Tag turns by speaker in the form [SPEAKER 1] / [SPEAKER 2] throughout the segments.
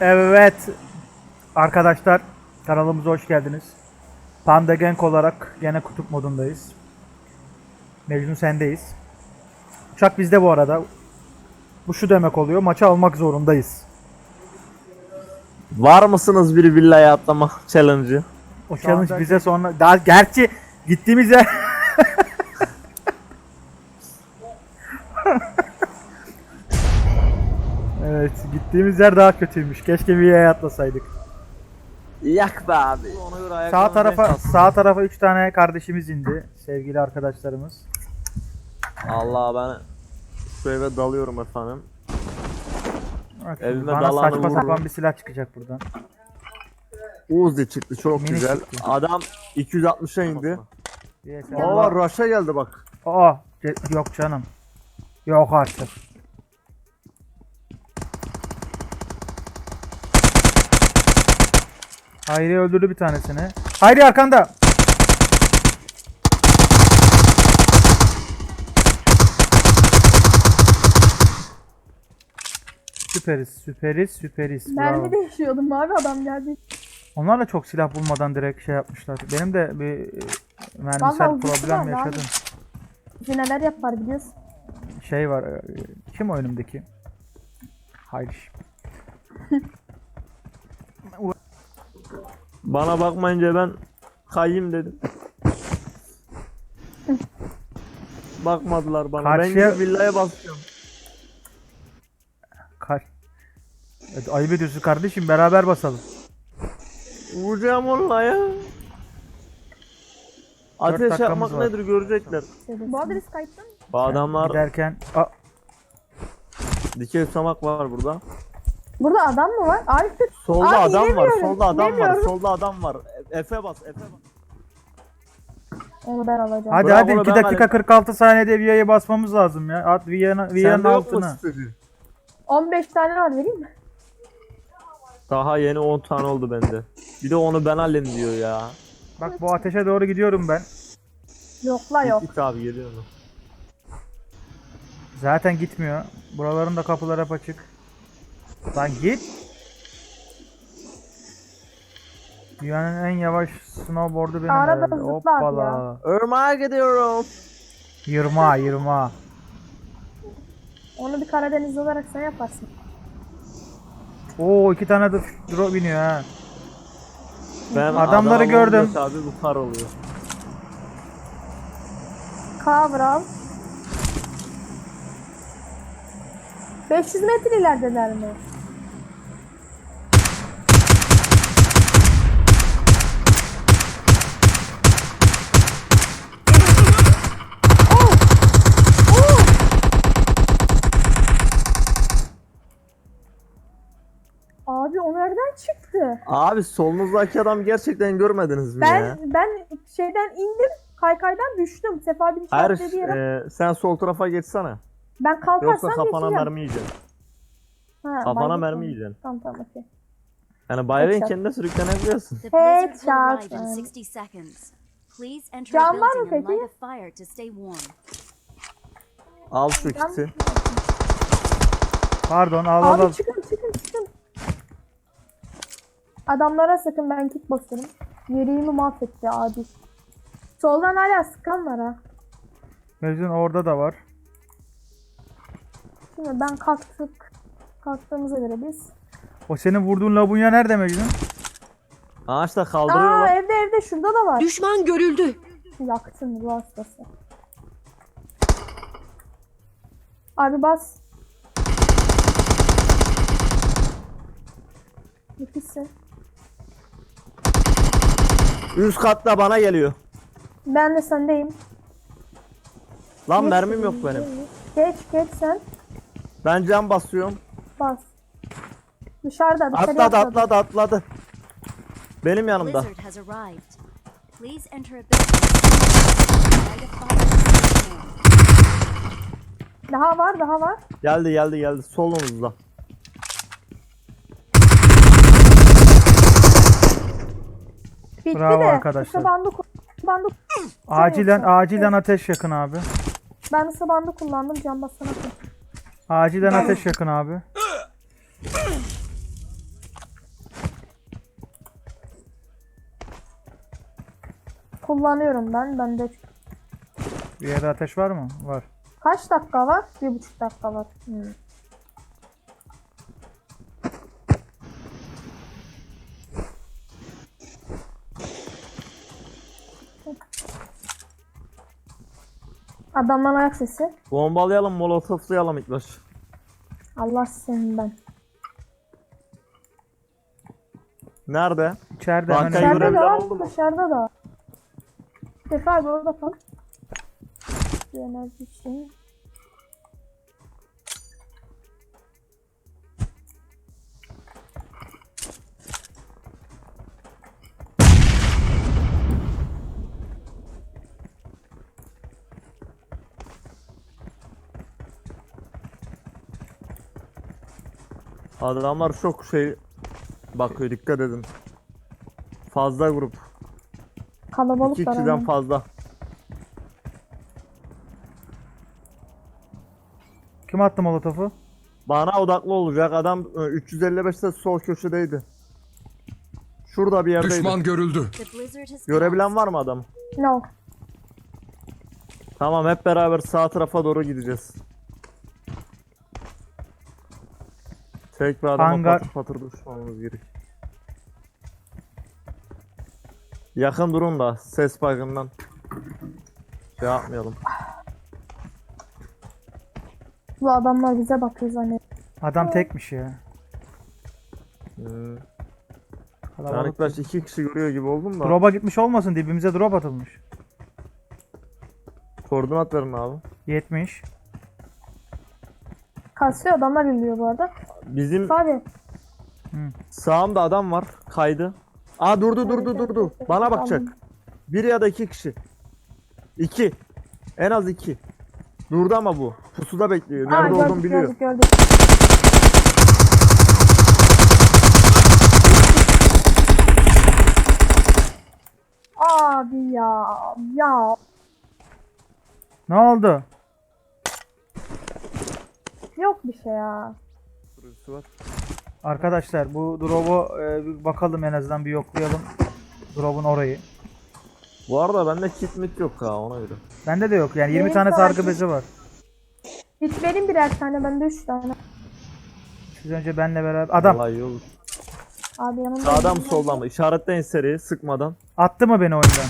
[SPEAKER 1] Evet arkadaşlar, kanalımıza hoş geldiniz. Panda Gang olarak gene kutup modundayız. Mecnun sendeyiz. Uçak bizde bu arada. Bu şu demek oluyor, maçı almak zorundayız.
[SPEAKER 2] Var mısınız bir villaya atlama challenge'ı?
[SPEAKER 1] O challenge bize sonra... Daha gerçi gittiğimiz yer... Evet, gittiğimiz yer daha kötüymüş. Keşke bir yere atlasaydık.
[SPEAKER 2] Yak be abi.
[SPEAKER 1] Sağ tarafa 3 tane kardeşimiz indi. Sevgili arkadaşlarımız.
[SPEAKER 2] Allah ben şu eve dalıyorum efendim.
[SPEAKER 1] Bak,
[SPEAKER 2] Elime
[SPEAKER 1] bana
[SPEAKER 2] dalanı
[SPEAKER 1] saçma
[SPEAKER 2] vururum.
[SPEAKER 1] sapan bir silah çıkacak buradan.
[SPEAKER 2] Uzi çıktı çok
[SPEAKER 1] Mini
[SPEAKER 2] güzel.
[SPEAKER 1] çıktı.
[SPEAKER 2] Adam 260'a indi.
[SPEAKER 1] Yes,
[SPEAKER 2] Aa rush'a geldi bak.
[SPEAKER 1] Aa, yok canım. Yok artık. Hayri öldürdü bir tanesini. Hayri arkanda. Süperiz. Bravo.
[SPEAKER 3] Mermi değişiyordum abi, adam geldi.
[SPEAKER 1] Onlar da çok silah bulmadan direkt şey yapmışlar. Benim de bir mermisel
[SPEAKER 3] Vallahi
[SPEAKER 1] problem
[SPEAKER 3] var abi.
[SPEAKER 1] yaşadım.
[SPEAKER 3] Bize neler yapar biliyorsun.
[SPEAKER 1] Şey var. Kim o önümdeki? Hayri.
[SPEAKER 2] Bana bakmayınca ben kayayım dedim. Bakmadılar bana.
[SPEAKER 1] Karşıya-
[SPEAKER 2] Ben gidip villaya basıyorum.
[SPEAKER 1] Evet, ayıp ediyorsun kardeşim, beraber basalım.
[SPEAKER 2] Vuracağım onunla ya. Ateş
[SPEAKER 1] dakikamız
[SPEAKER 2] yapmak
[SPEAKER 1] var.
[SPEAKER 2] nedir görecekler.
[SPEAKER 3] Bu arada biz kayıtta mı?
[SPEAKER 2] Bu adamlar
[SPEAKER 1] Giderken
[SPEAKER 2] dikey tutamak var burada.
[SPEAKER 3] Burada adam mı var? Arif tut.
[SPEAKER 2] Solda
[SPEAKER 3] Abi,
[SPEAKER 2] adam var,
[SPEAKER 3] inemiyorum,
[SPEAKER 2] solda adam var,
[SPEAKER 3] inemiyorum.
[SPEAKER 2] solda adam var. Efe bas, Efe bas.
[SPEAKER 3] Onu ben alacağım.
[SPEAKER 1] hadi
[SPEAKER 2] Bravo,
[SPEAKER 1] hadi
[SPEAKER 2] ben
[SPEAKER 1] 2 dakika
[SPEAKER 2] alayım.
[SPEAKER 1] 46 saniyede Via'ya basmamız lazım ya. At Via'nın
[SPEAKER 2] Sende yok mu
[SPEAKER 1] altına.
[SPEAKER 2] stili?
[SPEAKER 3] 15 tane var, vereyim mi?
[SPEAKER 2] Daha yeni 10 tane oldu bende. Bir de onu ben halledeyim diyor ya.
[SPEAKER 1] Bak bu ateşe doğru gidiyorum ben.
[SPEAKER 3] Yok la yok.
[SPEAKER 2] Git abi geliyor mu?
[SPEAKER 1] Zaten gitmiyor. Buraların da kapıları hep açık. Lan git. Dünyanın en yavaş snowboard'u benim
[SPEAKER 3] Arada
[SPEAKER 1] herhalde.
[SPEAKER 3] zıplar ya.
[SPEAKER 1] Hoppala.
[SPEAKER 2] Irmağa gidiyorum.
[SPEAKER 1] Yırma.
[SPEAKER 3] Onu bir Karadeniz olarak sen yaparsın.
[SPEAKER 1] Oo 2 tane de drop biniyor ha.
[SPEAKER 2] Ben
[SPEAKER 1] Adamları
[SPEAKER 2] adama
[SPEAKER 1] gördüm.
[SPEAKER 2] vurunca Abi bu kar oluyor.
[SPEAKER 3] Cover al. 500 metre ilerideler mi? Abi o nereden çıktı?
[SPEAKER 2] Abi solunuzdaki adam gerçekten görmediniz mi ya?
[SPEAKER 3] Ben şeyden indim, kaykaydan düştüm. Sefa bin
[SPEAKER 2] Hayır,
[SPEAKER 3] dediği yere.
[SPEAKER 2] sen sol tarafa geçsene.
[SPEAKER 3] Ben kalkarsam
[SPEAKER 2] Yoksa kafana
[SPEAKER 3] geçeceğim.
[SPEAKER 2] mermi yiyeceksin.
[SPEAKER 3] Ha,
[SPEAKER 2] Kafana
[SPEAKER 3] bayrak
[SPEAKER 2] mermi
[SPEAKER 3] mı?
[SPEAKER 2] yiyeceksin.
[SPEAKER 3] Tamam okey.
[SPEAKER 2] Yani bayrağın
[SPEAKER 3] Headshot.
[SPEAKER 2] kendine sürüklenebiliyorsun.
[SPEAKER 4] The blizzard will
[SPEAKER 3] Headshot.
[SPEAKER 4] arrive in 60 seconds. Please enter a
[SPEAKER 3] Can var mı
[SPEAKER 4] building and
[SPEAKER 3] peki?
[SPEAKER 4] light a fire to stay warm.
[SPEAKER 2] Al şu kiti.
[SPEAKER 1] Pardon al.
[SPEAKER 3] Abi çıkın. Adamlara sakın, ben kick basarım. Yüreğimi mahvetti abi. Soldan hala sıkan var ha.
[SPEAKER 1] Mecnun orada da var.
[SPEAKER 3] Şimdi ben kalktığımıza göre biz.
[SPEAKER 1] O senin vurduğun labunya nerede Mecnun?
[SPEAKER 2] Ağaçta
[SPEAKER 3] Aa,
[SPEAKER 2] kaldırıyorlar.
[SPEAKER 3] evde şurada da var.
[SPEAKER 4] Düşman görüldü.
[SPEAKER 3] Yaktın bu hastası. Abi bas. Nefisi.
[SPEAKER 2] Üst katta bana geliyor.
[SPEAKER 3] Ben de sendeyim.
[SPEAKER 2] Lan
[SPEAKER 3] Geç
[SPEAKER 2] mermim
[SPEAKER 3] dedim,
[SPEAKER 2] yok benim.
[SPEAKER 3] Geç sen.
[SPEAKER 2] Ben cam basıyorum.
[SPEAKER 3] Bas. Dışarıda
[SPEAKER 2] Atladı. Benim yanımda.
[SPEAKER 4] Blizzard has arrived. Please enter a building and light a fire to stay warm.
[SPEAKER 3] Daha var.
[SPEAKER 2] Geldi. Solunuzda.
[SPEAKER 3] Bitti
[SPEAKER 1] Bravo
[SPEAKER 3] de.
[SPEAKER 1] arkadaşlar.
[SPEAKER 3] Kısa bandı
[SPEAKER 1] Acilen ateş yakın abi.
[SPEAKER 3] ben ısı bandı kullandım, can basana.
[SPEAKER 1] Acilen ateş yakın abi.
[SPEAKER 3] kullanıyorum ben. Bende
[SPEAKER 1] Bir yerde ateş var mı? Var.
[SPEAKER 3] kaç dakika var? 1,5 dakika var. Adamdan ayak sesi.
[SPEAKER 2] Bombalayalım, molotoflayalım ilk baş.
[SPEAKER 3] Allah seninden.
[SPEAKER 2] Nerede?
[SPEAKER 1] İçeride
[SPEAKER 2] Bankayı
[SPEAKER 1] hemen
[SPEAKER 3] Dışarıda
[SPEAKER 2] görebilen
[SPEAKER 3] da var,
[SPEAKER 2] oldu mu?
[SPEAKER 3] dışarıda da var. Sefa abi orada kal. Bir enerji için.
[SPEAKER 2] Adamlar çok şey bakıyor, dikkat edin. Fazla grup.
[SPEAKER 3] Kalabalık
[SPEAKER 2] 2
[SPEAKER 3] var.
[SPEAKER 2] kişiden
[SPEAKER 3] aynen.
[SPEAKER 2] fazla.
[SPEAKER 1] kim attı molotofu?
[SPEAKER 2] Bana odaklı olacak. Adam 355'te sol köşedeydi. Şurada bir yerdeydi.
[SPEAKER 5] Düşman görüldü.
[SPEAKER 4] The blizzard has
[SPEAKER 2] Görebilen
[SPEAKER 4] passed.
[SPEAKER 2] var mı adam?
[SPEAKER 3] No.
[SPEAKER 2] Tamam, hep beraber sağ tarafa doğru gideceğiz. Tek bir adama
[SPEAKER 1] Hangar.
[SPEAKER 2] patır patır düşmamız gerek. Yakın durun da ses bakımından şey yapmayalım.
[SPEAKER 3] Bu adamlar bize bakıyor zannediyor.
[SPEAKER 1] Adam tekmiş ya.
[SPEAKER 2] Yani
[SPEAKER 1] Kalabalık.
[SPEAKER 2] ilk baş 2 kişi görüyor gibi oldum da.
[SPEAKER 1] Drop'a gitmiş olmasın, dibimize drop atılmış.
[SPEAKER 2] Koordinat verin abi.
[SPEAKER 1] 70.
[SPEAKER 3] Kasıyor adamlar yürüyor bu arada.
[SPEAKER 2] Bizim
[SPEAKER 3] Abi
[SPEAKER 2] sağımda adam var. Kaydı. Aa, durdu. Bana bakacak. Bir ya da 2 kişi. 2. En az 2. Durdu ama bu. Pusuda bekliyor. Nerede
[SPEAKER 3] gördük,
[SPEAKER 2] olduğunu biliyor.
[SPEAKER 3] gördük. Abi ya.
[SPEAKER 1] Ne oldu?
[SPEAKER 3] Yok bir şey ya.
[SPEAKER 2] Burası var.
[SPEAKER 1] Arkadaşlar bu drop'u bir bakalım, en azından bir yoklayalım. Drop'un orayı.
[SPEAKER 2] Bu arada bende kit mit yok ha, ona göre.
[SPEAKER 1] Bende de yok yani, 20
[SPEAKER 3] Benim
[SPEAKER 1] tane
[SPEAKER 3] sadece-
[SPEAKER 1] sargı bezi var.
[SPEAKER 3] Git verin birer tane, bende 3 tane.
[SPEAKER 1] Siz önce benle beraber. Adam
[SPEAKER 2] Vallahi iyi olur.
[SPEAKER 3] Abi yanımda.
[SPEAKER 2] Sağdan mı soldan mı? İşaretleyin seriyi sıkmadan.
[SPEAKER 1] attı mı beni oyundan?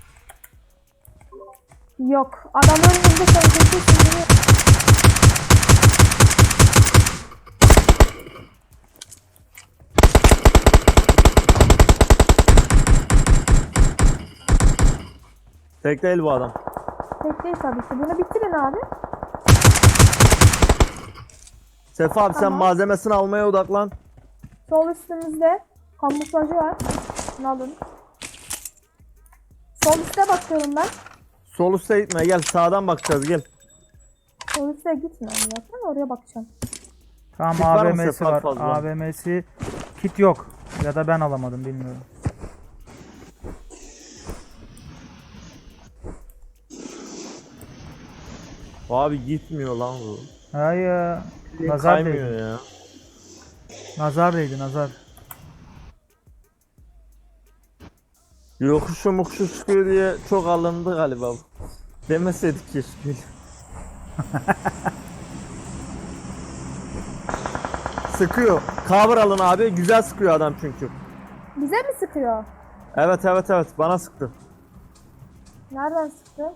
[SPEAKER 3] Yok. Adam önümüzde sen kesin.
[SPEAKER 2] Tek değil bu adam.
[SPEAKER 3] Tek değil tabii ki. Bunu bitirin abi.
[SPEAKER 2] Sefa abi sen
[SPEAKER 3] Tamam.
[SPEAKER 2] malzemesini almaya odaklan.
[SPEAKER 3] Sol üstümüzde kamuflajı var. Bunu alın. Sol üste bakıyorum ben.
[SPEAKER 2] Sol üstte gitme, gel sağdan bakacağız, gel.
[SPEAKER 3] Sol üste gitmiyorum zaten. Oraya bakacağım.
[SPEAKER 1] Tamam,
[SPEAKER 2] Kit var mı
[SPEAKER 1] AVM'si
[SPEAKER 2] Sefa
[SPEAKER 1] var.
[SPEAKER 2] fazla?
[SPEAKER 1] AVM'si kit yok. Ya da ben alamadım, bilmiyorum.
[SPEAKER 2] Abi gitmiyor lan bu.
[SPEAKER 1] Hayır. Nazar
[SPEAKER 2] Kaymıyor
[SPEAKER 1] değdi.
[SPEAKER 2] ya.
[SPEAKER 1] Nazar değdi, nazar.
[SPEAKER 2] Yokuşu mukuşu çıkıyor diye çok alındı galiba bu. Demeseydik keşke. Sıkıyor. Cover alın abi. Güzel sıkıyor adam çünkü.
[SPEAKER 3] Bize mi sıkıyor?
[SPEAKER 2] Evet bana sıktı.
[SPEAKER 3] Nereden sıktı?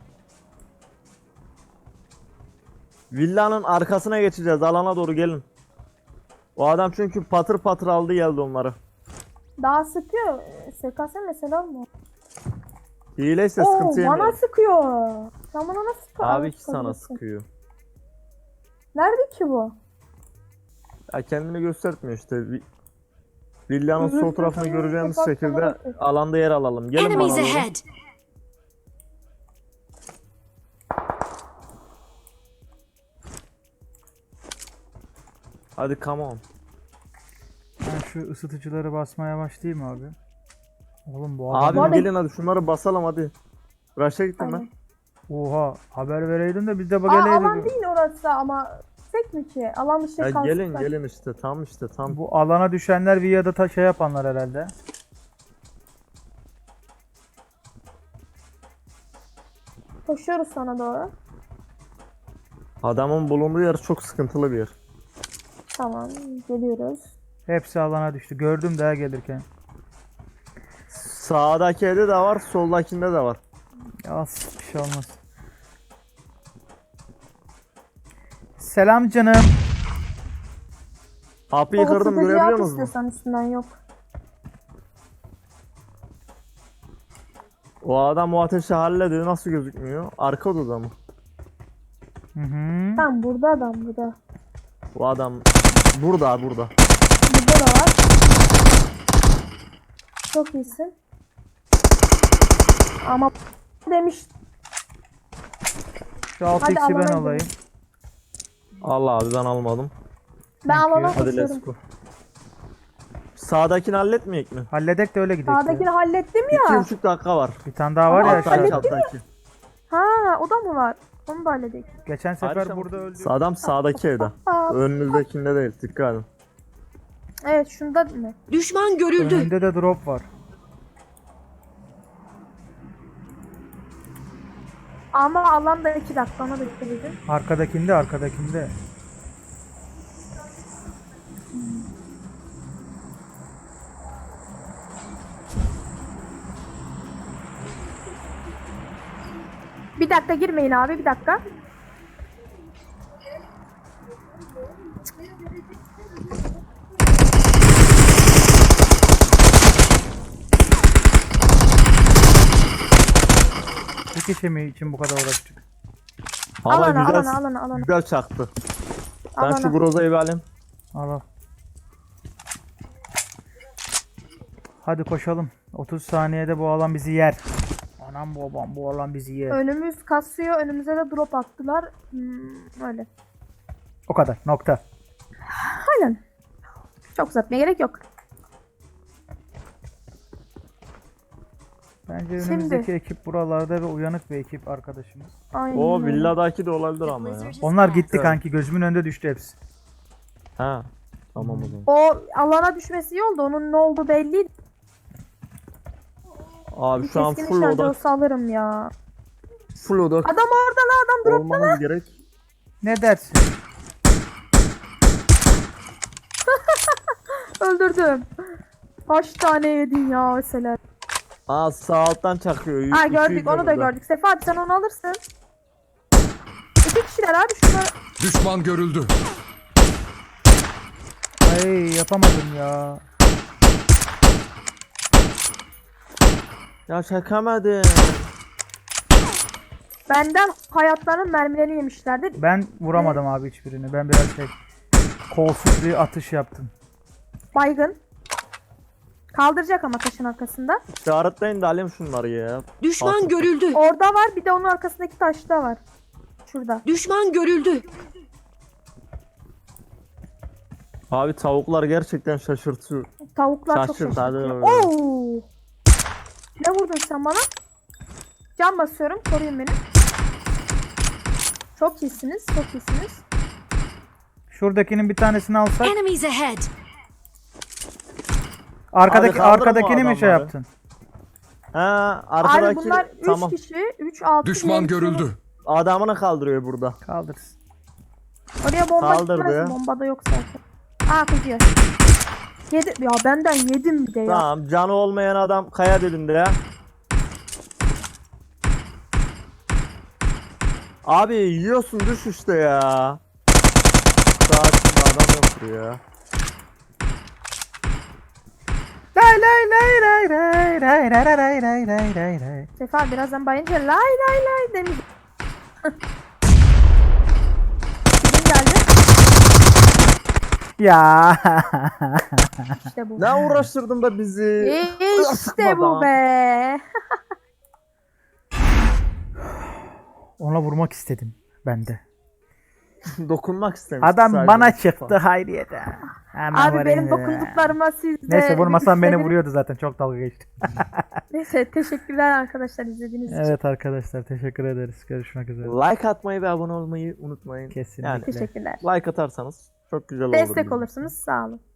[SPEAKER 2] Villanın arkasına geçeceğiz. Alana doğru gelin. O adam çünkü patır patır aldı geldi onları.
[SPEAKER 3] Daha sıkıyor. SKS mesela mı?
[SPEAKER 2] Hileyse
[SPEAKER 3] Oo,
[SPEAKER 2] sıkıntı
[SPEAKER 3] bana
[SPEAKER 2] yemeyelim.
[SPEAKER 3] sıkıyor. Sen bana nasıl sıkıyor?
[SPEAKER 2] Abi
[SPEAKER 3] Abi
[SPEAKER 2] ki sana sıkıyor.
[SPEAKER 3] Nerede ki bu?
[SPEAKER 2] Ya kendini göstermiyor işte. Villanın sol tarafını göreceğimiz şekilde alanda yer alalım. Gelin bana
[SPEAKER 4] Enemies
[SPEAKER 2] doğru.
[SPEAKER 4] ahead!
[SPEAKER 2] Hadi come on.
[SPEAKER 1] Ben şu ısıtıcıları basmaya başlayayım abi. Oğlum bu adam...
[SPEAKER 2] Abi
[SPEAKER 3] arada-
[SPEAKER 2] gelin hadi şunları basalım hadi. Rush'a gittim ben.
[SPEAKER 3] Aynen.
[SPEAKER 1] Oha, haber vereydin de biz de
[SPEAKER 3] Aa,
[SPEAKER 1] geleydik.
[SPEAKER 3] alan değil orası ama tek mi ki? Alan dışı
[SPEAKER 2] Ya
[SPEAKER 3] kalsın.
[SPEAKER 2] gelin işte tam.
[SPEAKER 1] Bu alana düşenler via da şey yapanlar herhalde.
[SPEAKER 3] Koşuyoruz sana doğru.
[SPEAKER 2] Adamın bulunduğu yer çok sıkıntılı bir yer.
[SPEAKER 3] Tamam geliyoruz.
[SPEAKER 1] Hepsi alana düştü. Gördüm daha gelirken.
[SPEAKER 2] Sağdaki evde de var, soldakinde de var.
[SPEAKER 1] Ya bir şey olmaz. Selam canım.
[SPEAKER 2] Kapıyı kırdım,
[SPEAKER 3] Sıkıcı
[SPEAKER 2] görebiliyor
[SPEAKER 3] at
[SPEAKER 2] musunuz?
[SPEAKER 3] istiyorsan üstünden yok.
[SPEAKER 2] O adam o ateşi hallediyor, nasıl gözükmüyor? Arka odada mı?
[SPEAKER 1] Hı hı.
[SPEAKER 3] Tamam burada adam burada.
[SPEAKER 2] O adam burada.
[SPEAKER 3] Burada da var. Çok iyisin. Ama demiş.
[SPEAKER 1] Şu 6x'i ben
[SPEAKER 3] alana
[SPEAKER 1] alayım.
[SPEAKER 3] gidelim.
[SPEAKER 2] Allah abi ben almadım.
[SPEAKER 3] Ben
[SPEAKER 1] Thank you.
[SPEAKER 3] alana
[SPEAKER 2] Hadi let's
[SPEAKER 3] koşuyorum.
[SPEAKER 2] go. Sağdakini halletmeyecek mi?
[SPEAKER 1] Halledek de öyle gidelim.
[SPEAKER 3] Sağdakini hallettim ya.
[SPEAKER 2] 2,5 dakika var.
[SPEAKER 1] Bir tane daha var ya
[SPEAKER 3] Ama
[SPEAKER 1] aşağıda.
[SPEAKER 2] Alttaki.
[SPEAKER 3] Ha o da mı var? Onu da halledik.
[SPEAKER 1] Geçen sefer
[SPEAKER 2] Ayrıca
[SPEAKER 1] burada öldü.
[SPEAKER 2] Adam sağdaki evde.
[SPEAKER 3] Aa,
[SPEAKER 2] Önünüzdekinde değil, dikkat edin.
[SPEAKER 3] evet şunda ne?
[SPEAKER 5] Düşman görüldü.
[SPEAKER 1] Önünde de drop var.
[SPEAKER 3] Ama alanda 2 dakika ona da dikkat edin.
[SPEAKER 1] Arkadakinde.
[SPEAKER 3] Bir dakika girmeyin abi bir dakika.
[SPEAKER 1] Bir kişi mi için bu kadar uğraştık?
[SPEAKER 2] Ama
[SPEAKER 3] Alana.
[SPEAKER 2] güzel çaktı. Ben
[SPEAKER 3] Alana.
[SPEAKER 2] şu Groza'yı bir alayım.
[SPEAKER 1] Al. Hadi koşalım. 30 saniyede bu alan bizi yer. Anam babam bu alan bizi yer.
[SPEAKER 3] Önümüz kasıyor. Önümüze de drop attılar. Öyle.
[SPEAKER 1] O kadar. Nokta.
[SPEAKER 3] Aynen. Çok uzatmaya gerek yok.
[SPEAKER 1] Bence önümüzdeki ekip buralarda ve uyanık bir ekip arkadaşımız.
[SPEAKER 3] Aynen.
[SPEAKER 2] O
[SPEAKER 3] öyle.
[SPEAKER 2] villadaki de olabilir
[SPEAKER 4] The
[SPEAKER 2] ama ya.
[SPEAKER 4] blizzard has
[SPEAKER 1] Onlar
[SPEAKER 4] passed.
[SPEAKER 1] gitti kanki. Gözümün önünde düştü hepsi.
[SPEAKER 2] Ha. Tamam o zaman.
[SPEAKER 3] O alana düşmesi iyi oldu. Onun ne olduğu belli.
[SPEAKER 2] Abi
[SPEAKER 3] Bir
[SPEAKER 2] şu an
[SPEAKER 3] keskin
[SPEAKER 2] full
[SPEAKER 3] nişancı
[SPEAKER 2] odak.
[SPEAKER 3] olsa alırım ya.
[SPEAKER 2] Full odak
[SPEAKER 3] Adam orada la adam drop.
[SPEAKER 2] olmamız gerek.
[SPEAKER 1] Ne dersin?
[SPEAKER 3] Öldürdüm. Kaç tane yedin ya mesela.
[SPEAKER 2] Aa sağ alttan çakıyor.
[SPEAKER 3] Ha
[SPEAKER 2] İki
[SPEAKER 3] gördük
[SPEAKER 2] yüzde
[SPEAKER 3] onu da
[SPEAKER 2] burada.
[SPEAKER 3] gördük. Sefa abi sen onu alırsın. 2 kişiler abi şunları.
[SPEAKER 6] Düşman görüldü.
[SPEAKER 1] Ay yapamadım ya.
[SPEAKER 2] Ya çakamadım.
[SPEAKER 3] Benden hayatlarının mermilerini yemişlerdi.
[SPEAKER 1] Ben vuramadım abi hiçbirini. Ben biraz kolsuz bir atış yaptım.
[SPEAKER 3] Baygın. Kaldıracak ama taşın arkasında.
[SPEAKER 2] İşaretleyin de alayım şunları ya.
[SPEAKER 5] Düşman
[SPEAKER 2] Atın.
[SPEAKER 5] görüldü.
[SPEAKER 3] Orada var bir de onun arkasındaki taşta var. Şurada.
[SPEAKER 5] Düşman görüldü.
[SPEAKER 2] Abi tavuklar gerçekten şaşırtıyor.
[SPEAKER 3] Tavuklar çok
[SPEAKER 2] Şaşırt hadi.
[SPEAKER 3] şaşırtıyor. Oo! Ne vurdun sen bana? Can basıyorum. Koruyun beni. Çok iyisiniz. Çok iyisiniz.
[SPEAKER 1] Şuradakinin bir tanesini alsak.
[SPEAKER 4] Enemies ahead.
[SPEAKER 1] Arkadaki
[SPEAKER 2] kaldırma
[SPEAKER 1] arkadakini mi şey
[SPEAKER 2] adamları.
[SPEAKER 1] yaptın?
[SPEAKER 2] Ha
[SPEAKER 3] Abi
[SPEAKER 2] arkadaki
[SPEAKER 3] bunlar 3
[SPEAKER 2] tamam.
[SPEAKER 3] kişi. 3 6
[SPEAKER 6] Düşman görüldü.
[SPEAKER 2] Adamını kaldırıyor burada.
[SPEAKER 1] Kaldırsın.
[SPEAKER 3] Oraya bomba
[SPEAKER 2] Kaldırdı
[SPEAKER 3] gitmez.
[SPEAKER 2] ya.
[SPEAKER 3] Bomba da yok zaten. Aa kızıyor. Yedi. Ya benden yedim bir de ya.
[SPEAKER 2] Tamam canı olmayan adam kaya dibinde ya. Abi yiyorsun düş işte ya. Sakin adam yoktur ya.
[SPEAKER 1] Lay lay lay lay lay lay lay lay lay lay lay lay.
[SPEAKER 3] Sefa birazdan bayınca lay lay lay demeyecek. Kim geldi?
[SPEAKER 1] Ya.
[SPEAKER 3] İşte bu.
[SPEAKER 2] Ne uğraştırdın da bizi?
[SPEAKER 3] İşte bu be.
[SPEAKER 1] Ona vurmak istedim ben de.
[SPEAKER 2] Dokunmak istemiştim.
[SPEAKER 1] Adam
[SPEAKER 2] sadece.
[SPEAKER 1] bana çıktı Hayriye'de. Hemen
[SPEAKER 3] Abi benim
[SPEAKER 1] vurayım.
[SPEAKER 3] dokunduklarıma siz de...
[SPEAKER 1] Neyse vurmasam beni
[SPEAKER 3] istediniz.
[SPEAKER 1] vuruyordu zaten. Çok dalga geçti.
[SPEAKER 3] Neyse teşekkürler arkadaşlar izlediğiniz için.
[SPEAKER 1] Evet arkadaşlar teşekkür ederiz. Görüşmek üzere.
[SPEAKER 2] Like atmayı ve abone olmayı unutmayın.
[SPEAKER 1] Kesinlikle.
[SPEAKER 2] Yani
[SPEAKER 3] Teşekkürler.
[SPEAKER 2] like atarsanız çok güzel olur.
[SPEAKER 3] Destek
[SPEAKER 2] bizim.
[SPEAKER 3] olursunuz sağ olun.